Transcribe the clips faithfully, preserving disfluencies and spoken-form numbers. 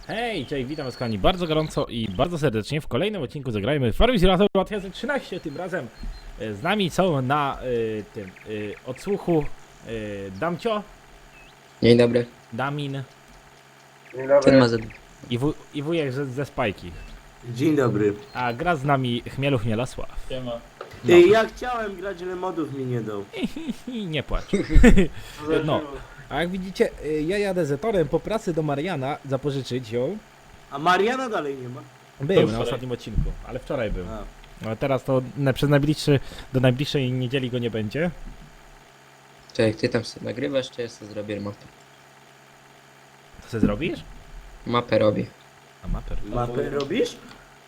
Hej, cześć, witam was kochani bardzo gorąco i bardzo serdecznie. W kolejnym odcinku zagrajmy Farming Simulator dwa tysiące trzynaście. Tym razem e, z nami są na y, tym y, odsłuchu y, Damcio, Dzień dobry. Damin Dzień Ten dobry. ma za... i, wuj, i wujek ze, ze Spajki. Dzień dobry. A gra z nami Chmielu Chmielasław. Siema. No. Ej, ja chciałem grać, ale modów mi nie dał. I nie płacz. No. A jak widzicie, y, ja jadę Zetorem po pracy do Mariana zapożyczyć ją. A Mariana dalej nie ma. Był na wczoraj. ostatnim odcinku, ale wczoraj był. A. A teraz to na, przez najbliższy, do najbliższej niedzieli go nie będzie. Czekaj, ty tam sobie nagrywasz, czy ja sobie zrobię mapę? Co sobie zrobisz? Mapę robię. A maper. Mapę robisz?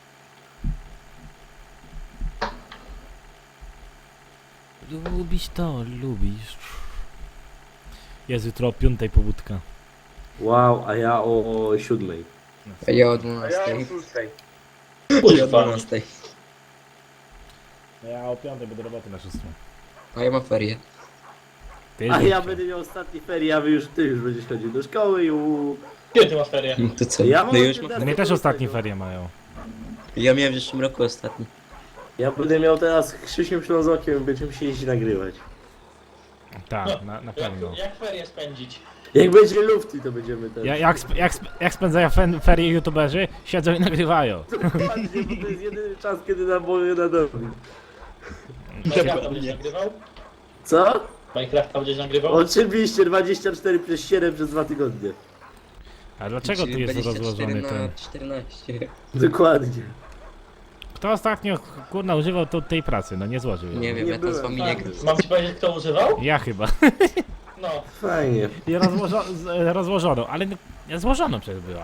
Lubisz to, lubisz. Jest jutro o piątej pobudka. Wow, a ja o, o siódmej. A ja o dwunastej. szóstej. Ja o Kurwa. dwunastej. No ja o piątej będę roboty na szóstą. A ja mam ferie. Ty A już ja nie. będę miał ostatnie ferie, a wy już, ty już będziesz chodził do szkoły i u... Kiedy ty masz ferie? No to co? Ja mam No już od mam... No mnie też ostatnie ferie mają. Ja miałem w zeszłym roku ostatni. Ja będę miał teraz Krzysiem Ślązokiem, będziemy się jeździć nagrywać. Tak, na, na pewno. Jak, jak ferie spędzić? Jak będzie lufty, to będziemy ten... Ja, jak, sp- jak, sp- jak spędzają fen- ferie youtuberzy? Siedzą i nagrywają. Dokładnie, bo to jest jedyny czas, kiedy nam wolno na domu. Minecrafta będziesz nagrywał? Co? Minecrafta będziesz nagrywał? Oczywiście, dwadzieścia cztery przez siedem przez dwa tygodnie. A dlaczego tu Czyli jest dwadzieścia cztery rozłożony na ten? czternaście. Dokładnie. Kto ostatnio kurna używał to, tej pracy? No nie złożył ją. Nie wiem, Nie ja to z byłem, wami nie Tak. gram. Mam ci powiedzieć, kto używał? Ja chyba. No. Fajnie. I rozłożo- z- rozłożoną, ale no, złożoną przecież była.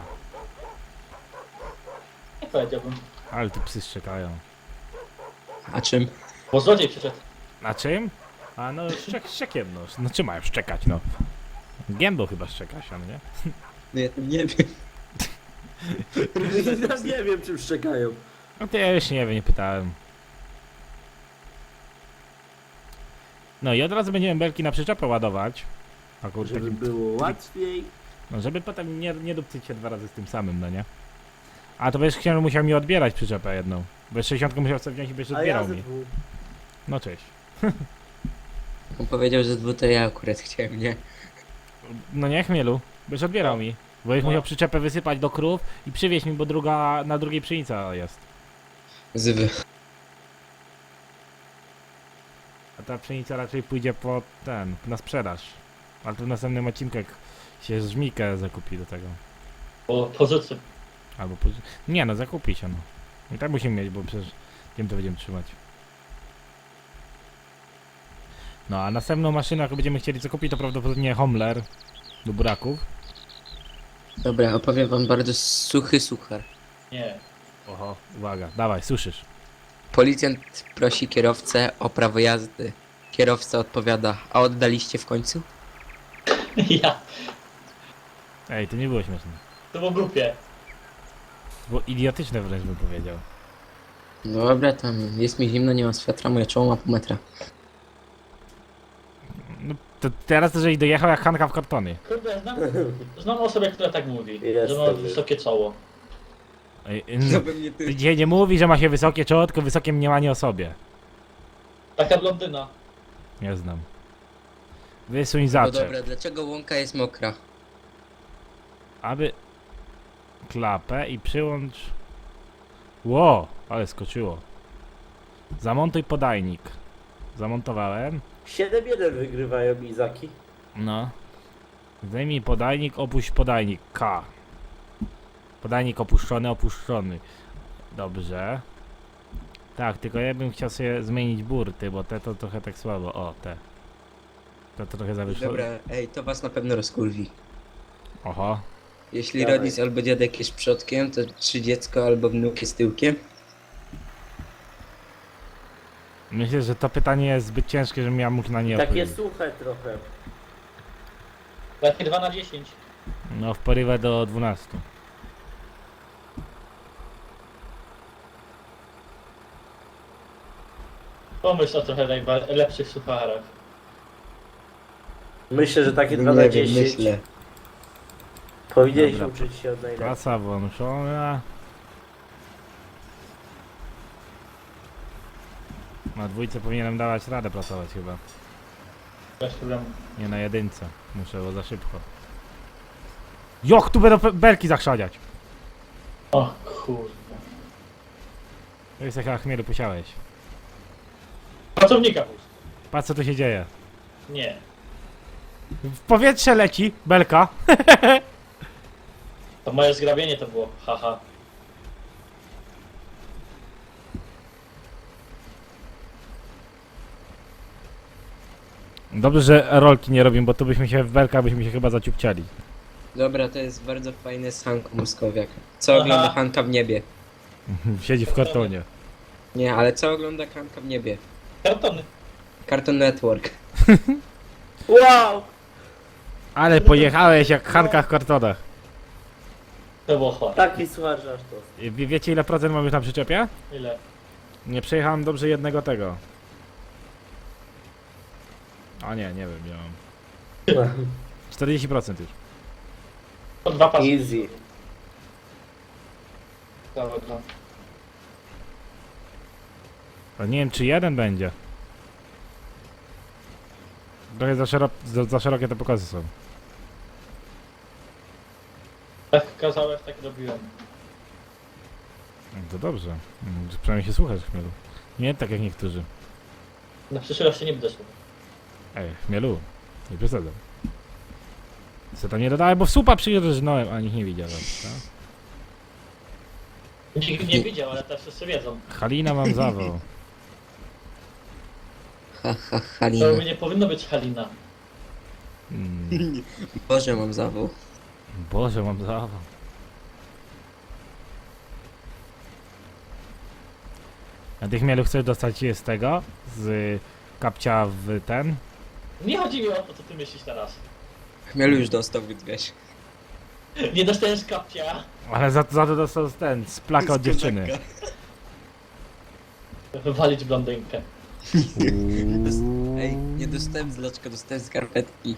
Nie powiedziałbym. Ale tu psy szczekają. A czym? Bo złodziej przyszedł. Na czym? A no szczek, szczekiem no. No czym mają szczekać no? Gębą chyba szczekać, on nie? No ja tam nie wiem. Ja nie wiem, czym szczekają. No to ja już nie wiem, nie pytałem. No i od razu będziemy belki na przyczepę ładować. A kurczę, Żeby takim, było łatwiej. no żeby potem nie, nie dupcyć się dwa razy z tym samym, no nie? A to będziesz chciał musiał mi odbierać przyczepę jedną. Bo sześćdziesiątkę musiał sobie wziąć i będziesz A ja odbierał ze mi. dwóch. No cześć. On powiedział, że dwu to ja akurat chciałem, nie? No nie chmielu, będziesz odbierał mi. Bo będziesz No. musiał przyczepę wysypać do krów i przywieźć mi, bo druga, na drugiej pszenica jest. Zwy. A ta pszenica raczej pójdzie po ten, na sprzedaż. Ale to w następnym odcinku jak się żmikę zakupi do tego. Bo pozycji. Albo po... Nie no, zakupi się no. I tak musimy mieć, bo przecież wiem to będziemy trzymać. No a następną maszynę, jaką będziemy chcieli zakupić, to prawdopodobnie Homler do buraków. Dobra, opowiem wam bardzo suchy suchar. Nie. Oho, uwaga, dawaj, słyszysz. Policjant prosi kierowcę o prawo jazdy. Kierowca odpowiada, a oddaliście w końcu? Ja. Ej, to nie było śmieszne. To było głupie. To było idiotyczne wręcz bym powiedział. Dobra, tam jest mi zimno, nie mam swetra, moje czoło ma pół metra. No to teraz to, żeś dojechał jak Hanka w kartony. Kurde, znam, znam osobę, która tak mówi. Jest że ma to wysokie czoło. Ej, no, Dzisiaj nie mówi, że ma się wysokie czoło, tylko wysokie mniemanie o sobie. Taka blondyna. Nie znam. Wysuń No zaczep. dobra, dlaczego łąka jest mokra? Aby klapę i przyłącz. Ło, ale skoczyło. Zamontuj podajnik. Zamontowałem. siedem jeden wygrywają Izaki. No. Zdejmij podajnik, opuść podajnik. K. Podajnik opuszczony, opuszczony. Dobrze. Tak, tylko ja bym chciał sobie zmienić burty, bo te to trochę tak słabo. O, te. To, to trochę zawyższyło. Dobra, ej, to was na pewno rozkurwi. Oho. Jeśli Dawaj. rodzic albo dziadek jest przodkiem, to czy dziecko albo wnuk jest tyłkiem? Myślę, że to pytanie jest zbyt ciężkie, żebym ja mógł na nie Takie odpowiedzieć. suche trochę. Takie dwa na dziesięć. No, w porywę do dwunastu. Pomyśl o trochę najba- lepszych sucharach. Myślę, że takie dwa Nie na wiem, dziesięć. myślę. Powinieneś Dobra. uczyć się od najlepszych. Praca włączona. Na dwójce powinienem dawać radę pracować chyba. Bez problemu. Nie na jedynce. Muszę, bo za szybko. Joch, tu będą pe- belki zachrzaniać. O kurde. To jest jak chmielu posiałeś. Pracownika puść. Patrz co tu się dzieje. Nie. W powietrze leci belka. To moje zgrabienie to było. Haha. Dobrze, że rolki nie robimy, bo tu byśmy się w belkach byśmy się chyba zaciupciali. Dobra, to jest bardzo fajny Hank Muskowiak. Co Aha. ogląda Hanka w niebie? Siedzi w kartonie. Nie, ale co ogląda Hanka w niebie? Kartony. Cartoon Network. Wow! Ale pojechałeś jak Hanka w kartonach. To było chore. Taki słuchacz aż to. Wie, wiecie ile procent mam już na przyczepie? Ile? Nie przejechałem dobrze jednego tego. A nie, nie wiem, nie mam. czterdzieści procent już. To dwa pasy. Easy. Dobra, dobra. A nie wiem czy jeden będzie. Trochę za, szero za, za szerokie te pokazy są. Tak kazałeś, tak robiłem. No to dobrze. Mm, Przynajmniej się słuchasz chmielu. Nie tak jak niektórzy. Na przyszłość się nie będę słuchał. Ej, chmielu. Nie przesadzam. Co tam nie dodałem, bo w słupa przyjeżdżałem, a nikt nie widział. Tak? Nikt nie widział, ale teraz wszyscy wiedzą. Halina mam zawał. Ha, ha, Halina. To nie powinno być Halina. Mm, Boże, mam zawał. Boże, mam zawał. A ty chmielu chcesz dostać je z tego? Z kapcia w ten? Nie chodzi mi o to, co ty myślisz teraz. Chmielu już dostał, więc wiesz. Nie dostajesz kapcia. Ale za, za to dostał ten, z plaka od dziewczyny. Wywalić blondynkę. Ej, nie dostałem zloczka, dostałem skarpetki.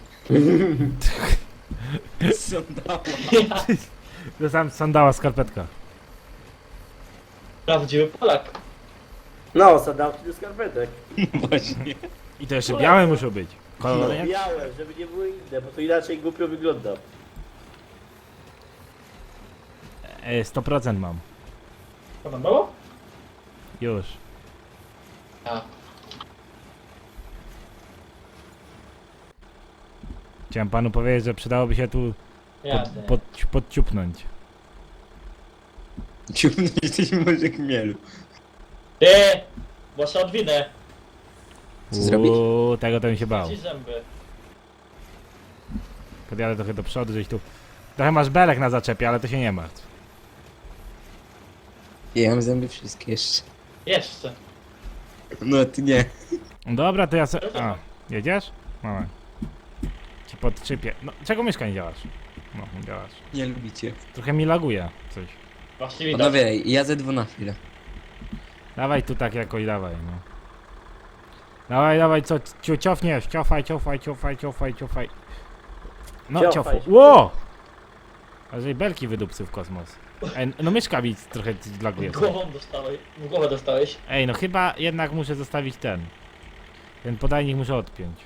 Sandała. Dostałem sandała skarpetka. Prawdziwy Polak. No, sadałki do skarpetek. Właśnie. I to jeszcze białe muszą być. No, Kolory jak? białe, żeby nie były inne, bo to inaczej głupio wygląda. E, sto procent mam. Co tam było? Już. A. Chciałem panu powiedzieć, że przydałoby się tu pod, Jasne. pod, podciupnąć. Ciumny jesteś może chmielu. Ty! Bo się odwinę. Co zrobić? Uuu, tego to mi się bał. Ci zęby. Podjadę trochę do przodu, żeś tu... Trochę masz belek na zaczepie, ale to się nie martw. Ja mam zęby wszystkie jeszcze. Jeszcze. No ty nie. Dobra, to ja se... A, jedziesz? Mamy. Ci podczypię. No, czego myszka nie działasz? No, nie działasz. Nie lubicie. Trochę mi laguje coś. Właśnie widać. Panowie, ja ze dwu na chwilę. Dawaj tu tak jakoś, dawaj, no. Dawaj, dawaj, co, ciu, ciofniesz, ciofaj, ciofaj, ciofaj, ciofaj, ciofaj. No, Ciofaj ciofaj. się. Ło! A że belki wydupcy w kosmos. Ej, no myszka mi trochę laguje. Głową dostałeś. W głowę dostałeś. Ej, no chyba jednak muszę zostawić ten. Ten podajnik muszę odpiąć.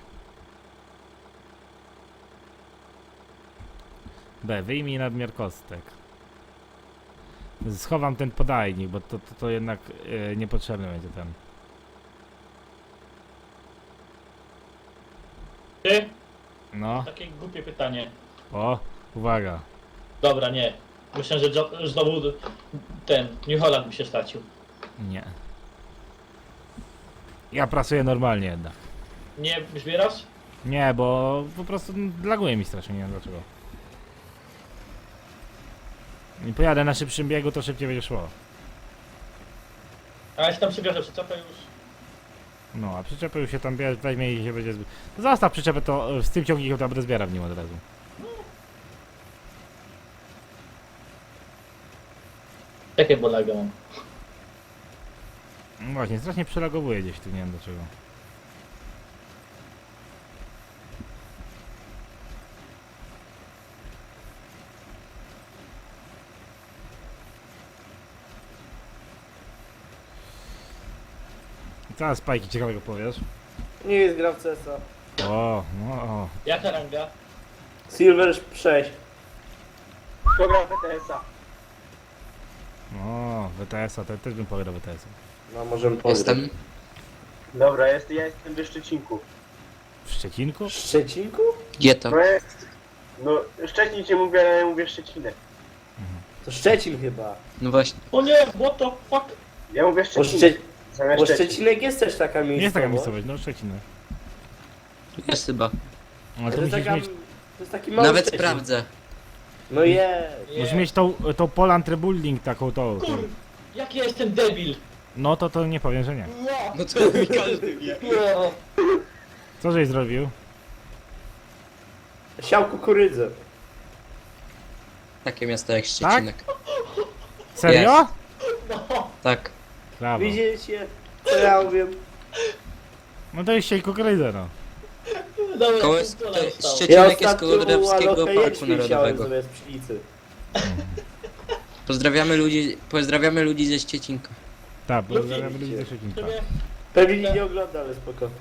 B, wyjmij nadmiar kostek. Schowam ten podajnik, bo to, to, to jednak e, niepotrzebny będzie ten. Ty? No, Takie głupie pytanie. o, uwaga. Dobra, nie. Myślę, że jo- znowu ten New Holland mi się stracił. Nie. Ja pracuję normalnie jednak. Nie zbierasz? Nie, bo po prostu laguje mi strasznie, nie wiem dlaczego. I pojadę na szybszym biegu, to szybciej będzie szło. A jeśli tam przybierze przyczepę już. No, a przyczepę już się tam bierze, weźmie i się będzie... zby- No zostaw przyczepę, to e, z tym ciągnikiem to będę zbierał w nim od razu. Jakie bolaga mam? No właśnie, strasznie przelagowuje gdzieś tu, nie wiem dlaczego. Teraz Spajki ciekawego powiesz. Nie jest gra w C S a. O, no, o. Jaka ranga? Silver sześć. Kto gra w T S a? O, W T S a, to też bym pograł W T S a. No możemy pograć. Jestem. Dobra, jest, ja jestem we Szczecinku. W Szczecinku? W Szczecinku? Gdzie to? No jest. No, Szczecin cię mówię, ale ja mówię Szczecinek. To Szczecin chyba. No właśnie. O nie, what the fuck? Ja mówię Bo, Szczecinek. Szcze... Zamiast Bo Szczecin. Szczecinek jest też taka miejscowość. Jest taka miejscowość, no Szczecin. Jest chyba. Ale To to jest, musisz taka... mieć, to jest taki mały Nawet Szczecin. sprawdzę. No jest. musisz mieć tą, tą Poland Rebuilding taką tą. tą. Kur... Jak ja jestem debil! No to to nie powiem, że nie. No to mi każdy wie. No. Co żeś zrobił? Siał kukurydzę. Takie miasto jak Szczecinek. Serio? No, Tak. Brawo. Widzicie? Co ja mówię? No to jest siej kukurydzę, no. dobra, Koło, pół pola to, zostało. Szczecinek jest ostatnio koło Drawskiego alokę Parku jęczmień siałem Narodowego. zamiast pszenicy. Pozdrawiamy ludzi, pozdrawiamy ludzi ze Szczecinka. Tak, bo Lubimy zaraz cię. ludzi ze Szczecinka. Sobie... Pewnie nikt nie ogląda, ale spoko.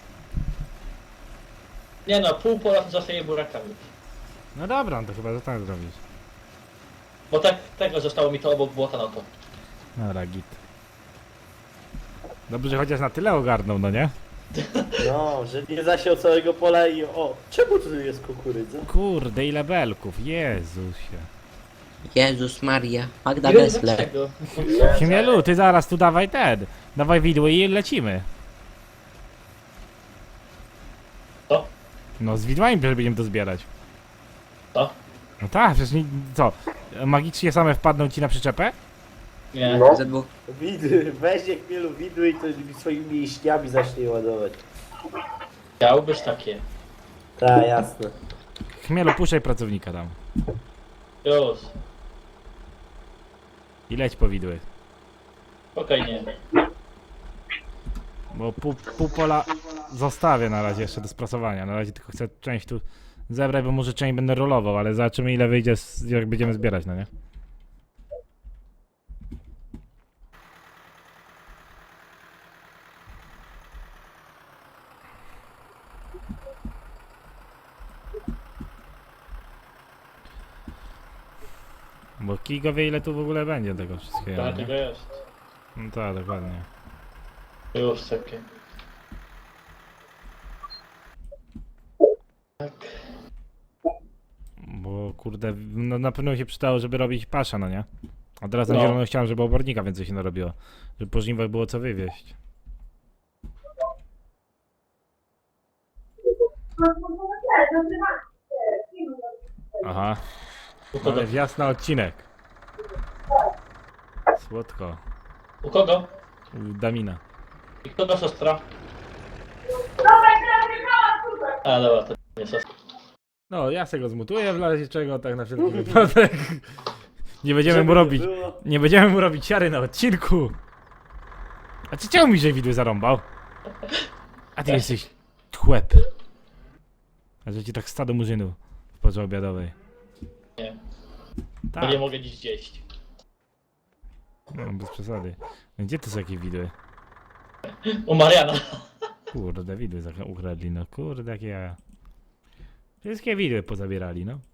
Nie no, pół pola zostaje burakami. No dobra, no to chyba, że tak zrobisz. Bo tak, tego zostało mi to obok błota na to. Dobra, git. Dobrze, że chociaż na tyle ogarnął, no nie? No, że nie zasiał całego pola i o, czemu tu jest kukurydza? Kurde, ile belków, Jezusie. Jezus Maria. Magda Nie wiem Gessler. dlaczego. Chmielu, ty zaraz tu dawaj ten. Dawaj widły i lecimy. Co? No z widłami przecież będziemy to zbierać. Co? No tak, przecież nie, co? Magicznie same wpadną ci na przyczepę? Nie. No. Ze dwóch. Widy, weź chmielu widły i to swoimi mięśniami zacznie ładować. Chciałbyś takie. Tak, jasne. Chmielu, puszczaj pracownika tam. Już. I leć po widły. Spokojnie. Bo pół, pół pola zostawię na razie jeszcze do sprasowania. Na razie tylko chcę część tu zebrać, bo może część będę rolował, ale zobaczymy ile wyjdzie, z, jak będziemy zbierać, no nie? Bo Kigo wie ile tu w ogóle będzie tego wszystkiego, Tak, nie? tego jest. No tak, dokładnie. Już sobie. Tak. Bo kurde, no na pewno się przydało, żeby robić pasza, no nie? A teraz na No. zielono chciałem, żeby obornika więcej się narobiło. Żeby po żniwach było co wywieźć. Aha, U kogo? ale wjazd na odcinek. Słodko. U kogo? U Damina. I kogo siostra? A dobra, to nie siostra. No, ja se go zmutuję w razie czego, tak na wszelki wypadek. Nie będziemy Żeby mu nie robić, było. nie będziemy mu robić siary na odcinku. A ty czemu mi że widły zarąbał? A ty jesteś chłep. A że ci tak stado murzynów w porze obiadowej. Nie. Bo Tak, nie mogę dziś zjeść. no, bez przesady. Gdzie to są jakieś widły? U Mariana. Kurde, widły za- ukradli, no kurde, jakie jaja. Wszystkie widły pozabierali, no.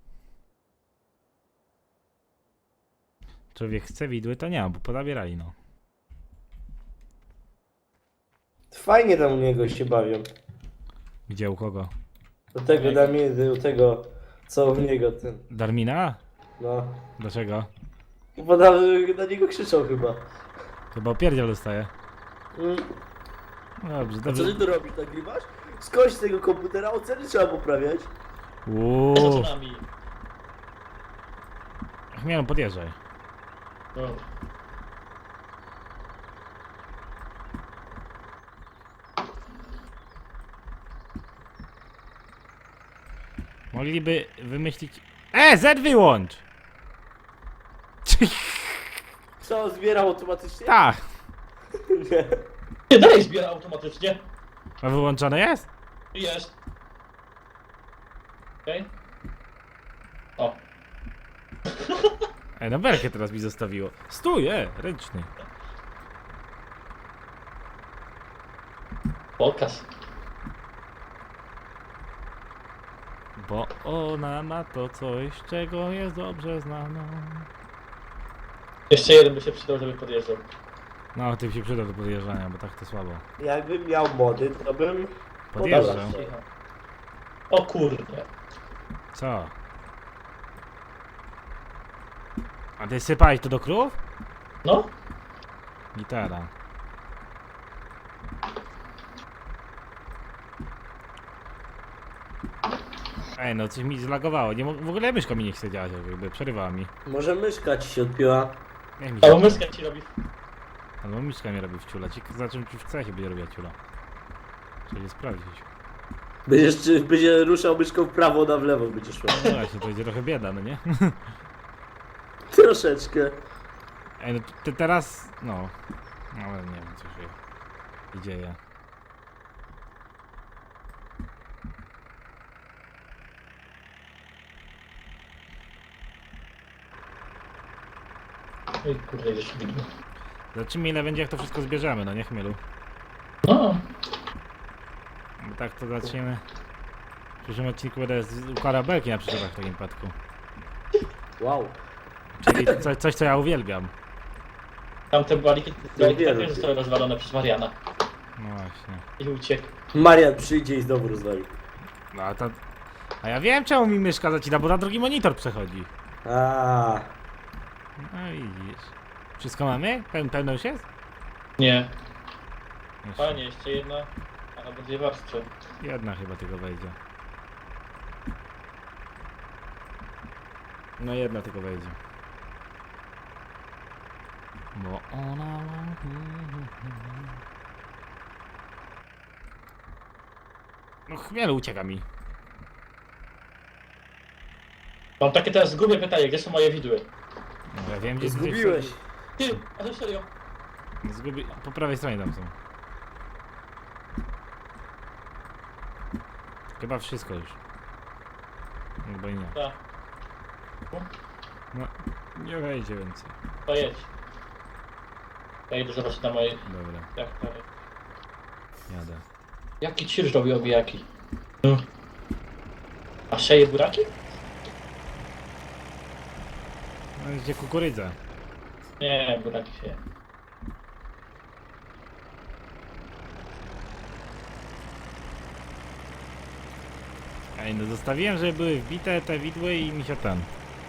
Człowiek chce widły, to nie ma, bo pozabierali, no. Fajnie tam u niego się bawią. Gdzie, u kogo? Do tego Damie, do tego, co u niego ten, Darmina? no. Dlaczego? Bo na, na niego krzyczał chyba. Chyba opierdziel dostaje. Mm. Dobrze, A co dobrze. ty tu robisz, nagrywasz? Skądś z tego komputera oceny trzeba poprawiać. Uuu. Co z nami? Chmielu, podjeżdżaj. No. Mogliby wymyślić... E, Z wyłącz! Co, zbierał automatycznie? Tak. Nie. Nie, dalej zbiera automatycznie. A wyłączone jest? Jest. Okej. O. E, no belkę teraz mi zostawiło. Stój, e, ręczny. Pokaz. Bo ona ma to coś, czego jest dobrze znana. Jeszcze jeden by się przydał, żeby podjeżdżał. No, ty się przyda do podjeżdżania, bo tak to słabo. Jakbym miał mody, to bym... Podjeżdżam. Dobra. Cicho. O kurde. Co? A ty sypałeś to do krów? No? Gitara. Ej, no coś mi zlagowało. Nie, mo- w ogóle myszka mi nie chce działać, jakby przerywała mi. Może myszka ci się odpiła. Niech mi A się... bo myszka ci robi. Albo myszka mi robi w ciula. Ci za czym czy w C się będzie robiła ciula. Trzeba je sprawdzić. Będziesz, czy będzie ruszał myszką w prawo, ona w lewo będzie szła. No właśnie, to będzie trochę bieda, no nie? Troszeczkę. Ej, no te teraz... no... No ale nie wiem, co się dzieje. Oj kurde, już widmo. Zobaczymy ile będzie jak to wszystko zbierzemy, no nie chmielu. No. Bo tak to zaczniemy. W przyszłym odcinku będę z- układał belki na przyczepach w takim przypadku. Wow. Czyli co, coś co ja uwielbiam. Tamte baliki, baliki wiem. też zostały rozwalone przez Mariana. No właśnie. I uciekł. Marian przyjdzie i znowu rozwali. No a to... A ja wiem czemu mi myszka zacina, bo na drugi monitor przechodzi. A. No widzisz. Wszystko mamy? Peł, pełno już jest? Nie. Jeszcze. Panie, jeszcze jedna. Albo dwie warstwy. Jedna chyba tylko wejdzie. No jedna tylko wejdzie. Bo ona ma... No chmielu ucieka mi. Mam takie teraz zgubię pytanie, gdzie są moje widły? No, ja wiem gdzie Zgubiłeś. Ty, a to serio? Zgubi... Po prawej stronie tam są. Chyba wszystko już. Chyba i nie. Tak. No, nie wejdzie więcej. To jedź. Ja idę zobaczyć na moje... Dobra, Jak, tak. jadę. Jaki cirż robi obijaki? No. A szeje buraki? No gdzie kukurydza? Nie, buraki się. Ej, no zostawiłem, żeby były wbite te widły i mi się ten.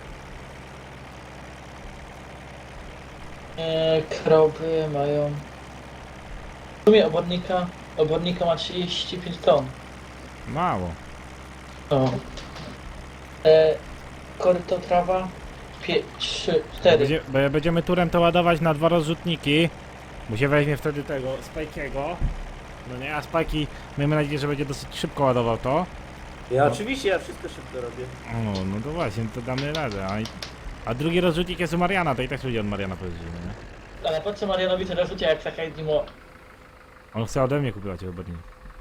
Eee, krowy mają... W sumie obornika... Obornika ma trzydzieści pięć ton. Mało. O. Eee, koryto trawa... trzy, cztery. Będzie, bo jak będziemy turem to ładować na dwa rozrzutniki. Bo się weźmie wtedy tego Spike'ego. No nie, a Spike'i miejmy nadzieję, że będzie dosyć szybko ładował to. Ja No. oczywiście, ja wszystko szybko robię. O, no to właśnie, to damy radę. A, i- a drugi rozrzutnik jest u Mariana, to i tak ludzie od Mariana pojeździmy, nie? Ale po co Marianowi tyle rzucia jak taka Dimo? On chce ode mnie kupować obornik.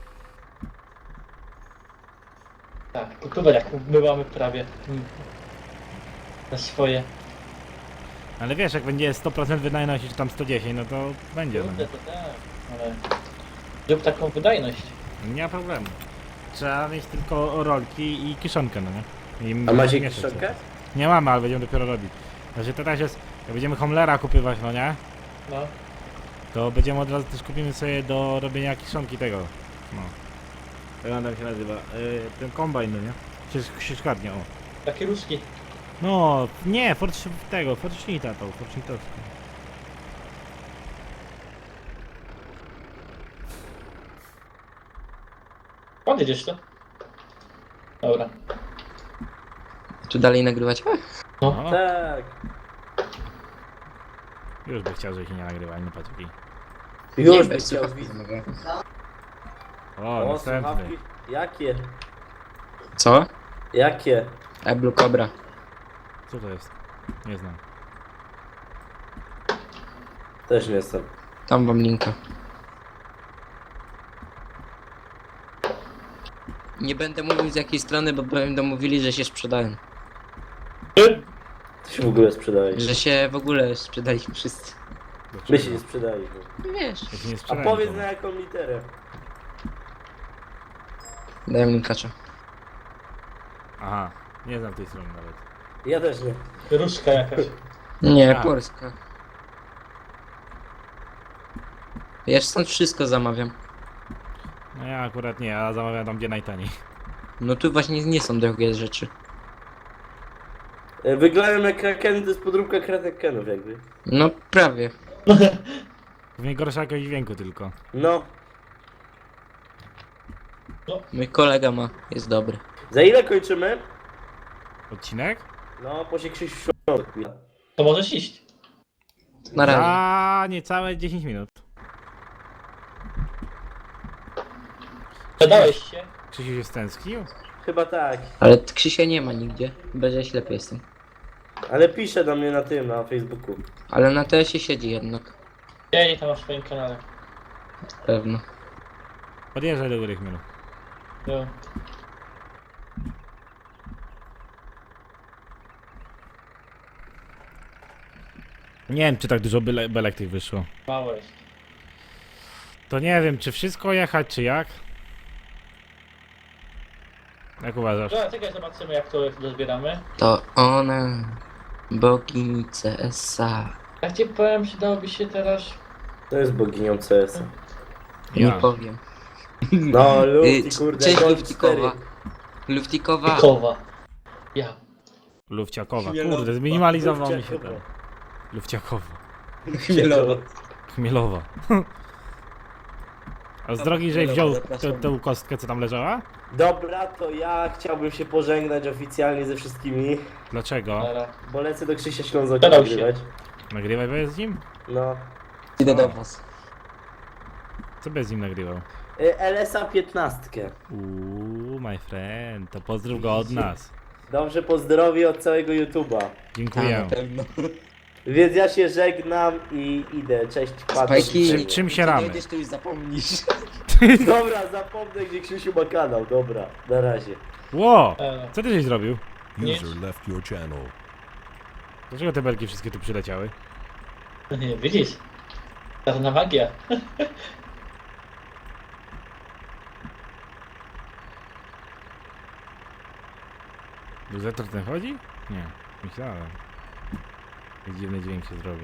Tak, kukuber jak my mamy prawie. Mm. Na swoje. Ale wiesz, jak będzie sto procent wydajność, czy tam sto dziesięć, no to będzie, no Kurde, nie? to tak, ale... Zrób taką wydajność. Nie ma problemu. Trzeba mieć tylko rolki i kiszonkę, no nie? I A macie mieszać kiszonkę? sobie. Nie mamy, ale będziemy dopiero robić. Znaczy to też jest, jak będziemy Homlera kupywać, no nie? No. To będziemy od razu też kupimy sobie do robienia kiszonki tego. No. Jak on tam się nazywa? Yy, ten kombajn, no nie? Czy sieczkarnia, o. Takie ruski. No, nie, Fortsch tego, Fortschnita to, Fortschnitowski. Podjedziesz to? Dobra. Czy dalej nagrywać? No, Tak. już by chciał, żeby się nie nagrywał, no patrz jaki. Już Nie, by bez chciał słuchawki widzieć. mogę. O, O, następny. słuchawki. Jakie? Co? Jakie? E, Blue Cobra. Co to jest? Nie znam. Też nie jestem. Tam wam linka. Nie będę mówił z jakiej strony, bo będą mówili, że się sprzedają. To się w ogóle sprzedałeś. Że się w ogóle sprzedali wszyscy. My się nie sprzedaliśmy. Wiesz. Jak się nie A sprzedają, powiedz to- na jaką literę. Daj mi kacza. Aha, nie znam tej strony nawet. Ja też nie. Różka jakaś. Nie, A. Polska. Ja stąd wszystko zamawiam. No ja akurat nie, ja zamawiam tam gdzie najtaniej. No tu właśnie nie są drogie rzeczy. E, Wyglądają jak krakeny, to jest podróbka krakenów jakby. No prawie. Pewnie gorsza jakość dźwięku tylko. No. Mój kolega ma, jest dobry. Za ile kończymy? Odcinek? No, po się Krzysiu świąt. To możesz iść. Na razie. Za niecałe dziesięć minut. Zadałeś się. Krzysiu się stęsknił? Chyba tak. Ale Krzysia nie ma nigdzie. Chyba, że ja ślepy jestem. Ale pisze do mnie na tym, na Facebooku. Ale na T S-ie siedzi jednak. Ja nie tam masz w swoim kanale. Pewno. Podjeżdżaj do góry chmielu. No. Nie wiem czy tak dużo byle, belek tych wyszło. Mało jest. To nie wiem czy wszystko jechać czy jak? Jak uważasz? Dobra, czekaj, zobaczymy jak to dozbieramy. To ona. Bogini C S A. Jak ci powiem, przydałoby się teraz... To jest boginią C S. Nie Ja. powiem. No, Y, Lufti, kurde, Cześć Gold Luftikowa. cztery. Luftikowa. Kowa. Ja. Lufciakowa. Chmielowa. Kurde, zminimalizował mi się Lufciakowa. ten. Lufciakowa. Chmielowa. Chmielowa. A z drogi, że Chmielowa, wziął zapraszam. tę- tę kostkę co tam leżała? Dobra, to ja chciałbym się pożegnać oficjalnie ze wszystkimi, Dlaczego? Dobra. bo lecę do Krzysia Ślązoka Zadał się. nagrywać. Nagrywaj bez nim? No. Idę do was. Co bez nim nagrywał? Y, L S A piętnaście. Uuu, my friend, to pozdrów go od nas. Dobrze, pozdrowie od całego YouTube'a. Dziękuję. Tak, pewno. Więc ja się żegnam i idę. Cześć, Paweł. Spajki. Czym- czym się ramy? Dojdziesz, to już zapomnisz. Dobra, zapomnę gdzie Krzysiu ma kanał. Dobra, na razie. Ło! E, Co ty żeś zrobił? Nic. User left your channel. Dlaczego te belki wszystkie tu przyleciały? nie, widzisz? Czarna magia. Luzator ten chodzi? Nie, myślałem. Jak dziwny dźwięk się zrobił.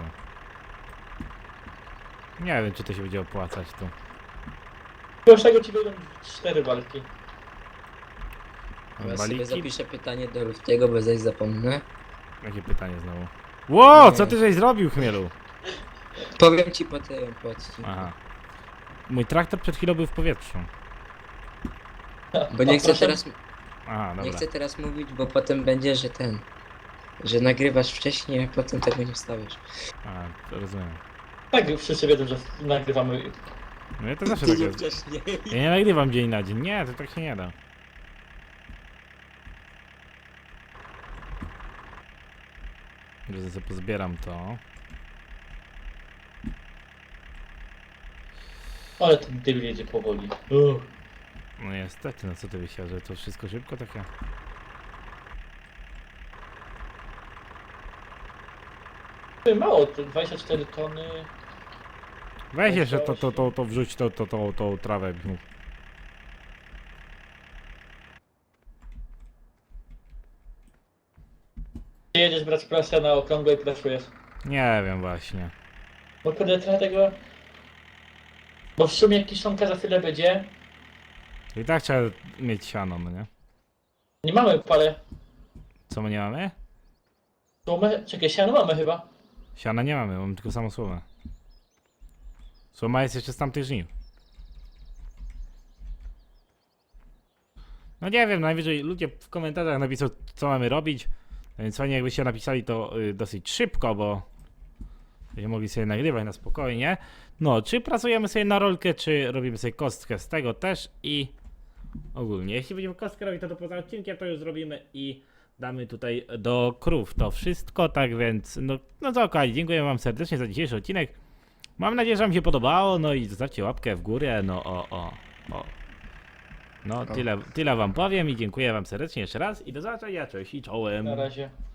Nie wiem, czy to się będzie opłacać tu. Już tego ci będą cztery walki. Ja sobie Baliki? zapiszę pytanie do Luftiego, bo zaś zapomnę. Jakie pytanie znowu? Ło, co ty żeś zrobił, chmielu? Powiem ci po tym, po odcinku. Aha. Mój traktor przed chwilą był w powietrzu. Bo nie O, chcę proszę. teraz, Aha, nie dobra. chcę teraz mówić, bo potem będzie, że ten... Że nagrywasz wcześniej, a potem tego nie wstawiasz. A, to rozumiem. Tak, wszyscy wiedzą, że nagrywamy. No ja to zawsze tak jest. wcześniej. Ja nie nagrywam dzień na dzień. Nie, to tak się nie da. Że sobie pozbieram to. Ale ten debil jedzie powoli. Uff. No niestety, no co ty myślałeś, że to wszystko szybko takie? Mało, to dwadzieścia cztery tony. Weź jeszcze to, to, to, to wrzuć to, to, to, to trawę. jakbyś mógł. Ty jedziesz brać presję na okrągłe i presujesz. Nie wiem właśnie. Bo kurde, trochę tego... Bo w sumie jak kiszonka za chwilę będzie, I tak trzeba mieć siano, no nie? nie mamy pale. Co my nie mamy? Słomę, czekaj, siano mamy chyba. Siana nie mamy, mamy tylko samą słomę. Słoma jest jeszcze z tamtych żniw. No nie wiem, najwyżej ludzie w komentarzach napiszą co mamy robić. Więc fajnie jakbyście napisali to y, dosyć szybko, bo będziemy mogli sobie nagrywać na spokojnie. No, czy pracujemy sobie na rolkę, czy robimy sobie kostkę z tego też i ogólnie. Jeśli będziemy kostkę robić, to, to poza odcinkiem to już zrobimy i damy tutaj do krów to wszystko, tak więc no, no to okej, dziękuję wam serdecznie za dzisiejszy odcinek. Mam nadzieję, że wam się podobało, no i zostawcie łapkę w górę, no o, o, o. No, tyle, tyle wam powiem i dziękuję wam serdecznie jeszcze raz i do zobaczenia, cześć i czołem. Na razie.